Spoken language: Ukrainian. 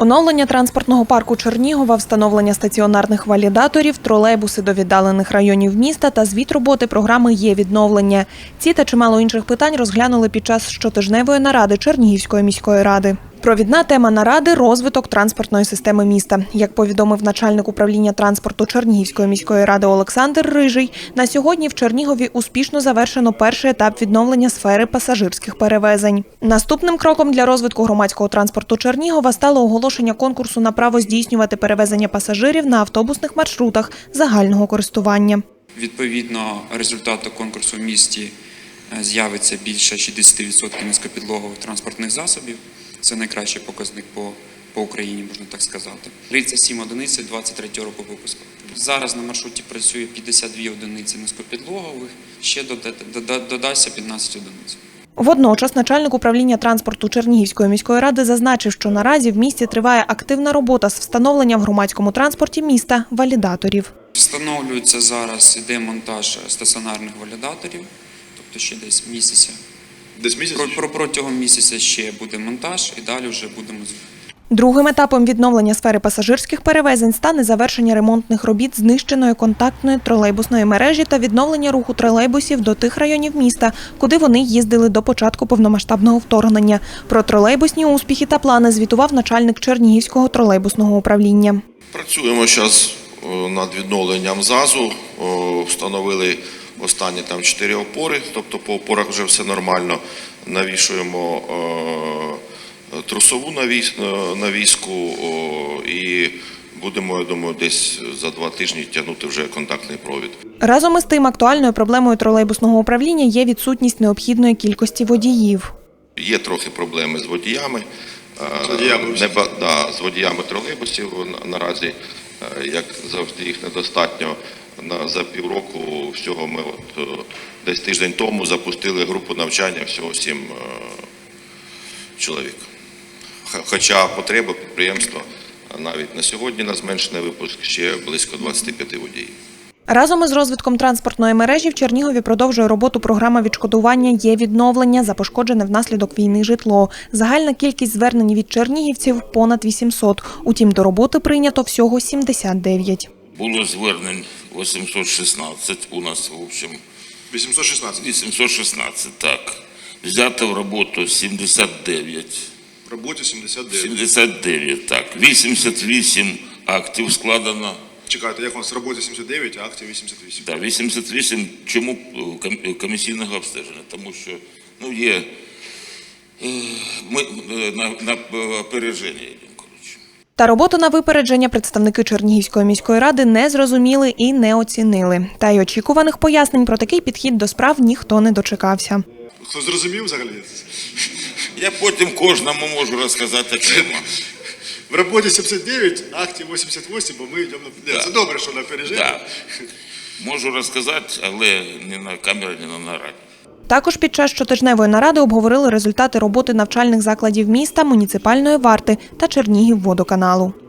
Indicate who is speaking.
Speaker 1: Оновлення транспортного парку Чернігова, встановлення стаціонарних валідаторів, тролейбуси до віддалених районів міста та звіт роботи програми «Є-відновлення». Ці та чимало інших питань розглянули під час щотижневої наради Чернігівської міської ради. Провідна тема наради – розвиток транспортної системи міста. Як повідомив начальник управління транспорту Чернігівської міської ради Олександр Рижий, на сьогодні в Чернігові успішно завершено перший етап відновлення сфери пасажирських перевезень. Наступним кроком для розвитку громадського транспорту Чернігова стало оголошення конкурсу на право здійснювати перевезення пасажирів на автобусних маршрутах загального користування.
Speaker 2: Відповідно, результату конкурсу в місті з'явиться більше 60% низькопідлогових транспортних засобів. Це найкращий показник по Україні, можна так сказати. 37 одиниць 23 року випуску. Зараз на маршруті працює 52 одиниці низькопідлогових, ще додасться 15 одиниць.
Speaker 1: Водночас начальник управління транспорту Чернігівської міської ради зазначив, що наразі в місті триває активна робота з встановленням в громадському транспорті міста валідаторів.
Speaker 2: Встановлюється зараз, іде монтаж стаціонарних валідаторів, тобто ще десь місяця. Протягом місяця ще буде монтаж і далі вже будемо.
Speaker 1: Другим етапом відновлення сфери пасажирських перевезень стане завершення ремонтних робіт знищеної контактної тролейбусної мережі та відновлення руху тролейбусів до тих районів міста, куди вони їздили до початку повномасштабного вторгнення. Про тролейбусні успіхи та плани звітував начальник Чернігівського тролейбусного управління.
Speaker 3: Працюємо зараз над відновленням ЗАЗу, встановили останні 4 опори, тобто по опорах вже все нормально. Навішуємо трусову навіску і будемо, я думаю, десь за 2 тижні тягнути вже контактний провід.
Speaker 1: Разом із тим, актуальною проблемою тролейбусного управління є відсутність необхідної кількості водіїв.
Speaker 3: Є трохи проблеми з водіями. З водіями тролейбусів наразі, як завжди, їх недостатньо. За півроку всього ми десь тиждень тому запустили групу навчання, всього 7 чоловік. Хоча потреба підприємства навіть на сьогодні на зменшений випуск ще близько 25 водіїв.
Speaker 1: Разом із розвитком транспортної мережі в Чернігові продовжує роботу програма відшкодування «Є-відновлення» за пошкоджене внаслідок війни житло. Загальна кількість звернень від чернігівців – понад 800. Утім, до роботи прийнято всього 79.
Speaker 4: Було звернень 816 у нас, в общем.
Speaker 3: 816?
Speaker 4: 816, так. Взято в роботу 79.
Speaker 3: В роботі 79?
Speaker 4: 79, так. 88 актів складено.
Speaker 3: Чекайте, як у нас в роботі 79, а актів 88?
Speaker 4: Так, 88. Чому комісійного обстеження? Тому що є ми на опереження.
Speaker 1: Та роботу на випередження представники Чернігівської міської ради не зрозуміли і не оцінили. Та й очікуваних пояснень про такий підхід до справ ніхто не дочекався.
Speaker 3: Хто зрозумів взагалі?
Speaker 4: Я потім кожному можу розказати окремо.
Speaker 3: В роботі 79, актів 88, бо ми йдемо на... Це добре, що на опереження.
Speaker 4: Так. Можу розказати, але не на камеру, не на нараді.
Speaker 1: Також під час щотижневої наради обговорили результати роботи навчальних закладів міста, муніципальної варти та Чернігівводоканалу.